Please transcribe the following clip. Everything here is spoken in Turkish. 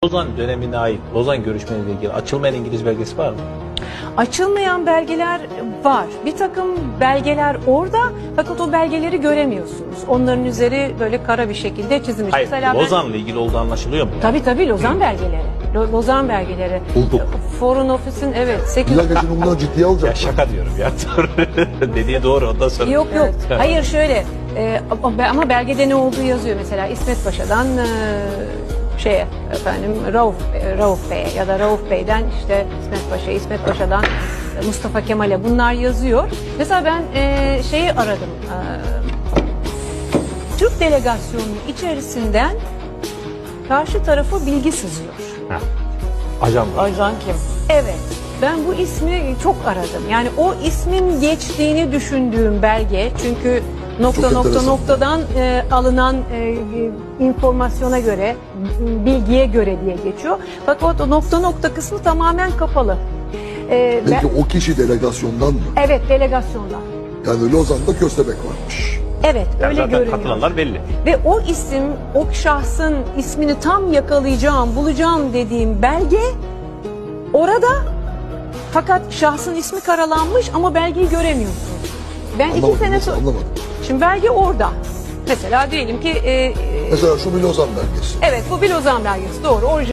Lozan dönemine ait Lozan görüşmeleriyle ilgili açılmayan İngiliz belgesi var mı? Açılmayan belgeler var. Bir takım belgeler orada fakat o belgeleri göremiyorsunuz. Onların üzeri böyle kara bir şekilde çizilmiş. Hayır, Mesela Lozan'la ilgili olduğu anlaşılıyor mu? Tabii Lozan belgeleri. Lozan belgeleri. Bulduk. Foreign Office'in evet 8... Bir dakika şimdi bunları ciddiye Ya alacak. şaka diyorum ya. Dediği doğru, ondan sonra. Yok. Hayır şöyle ama belgede ne olduğu yazıyor. Mesela İsmet Paşa'dan Rauf Bey'e ya da Rauf Bey'den işte İsmet Paşa'dan Mustafa Kemal'e bunlar yazıyor. Mesela ben şeyi aradım. Türk delegasyonunun içerisinden karşı tarafa bilgi sızıyor. Ha. Ajan var. Ajan kim? Evet. Ben bu ismi çok aradım. Yani o ismin geçtiğini düşündüğüm belge, çünkü noktadan alınan informasyona göre, bilgiye göre diye geçiyor. Fakat o nokta kısmı tamamen kapalı. Peki o kişi delegasyondan mı? Evet, delegasyondan. Yani Lozan'da köstebek varmış. Evet, Yani öyle zaten görünüyor. katılanlar belli. Ve o isim, o şahsın ismini tam yakalayacağım, bulacağım dediğim belge orada. Fakat şahsın ismi karalanmış ama belgeyi göremiyorsunuz. Ben Anlamadım, 2 sene nasıl sonra... anlamadım. Şimdi belge orada. Mesela diyelim ki... Mesela şu bir Lozan belgesi. evet, bu bir Lozan belgesi, doğru.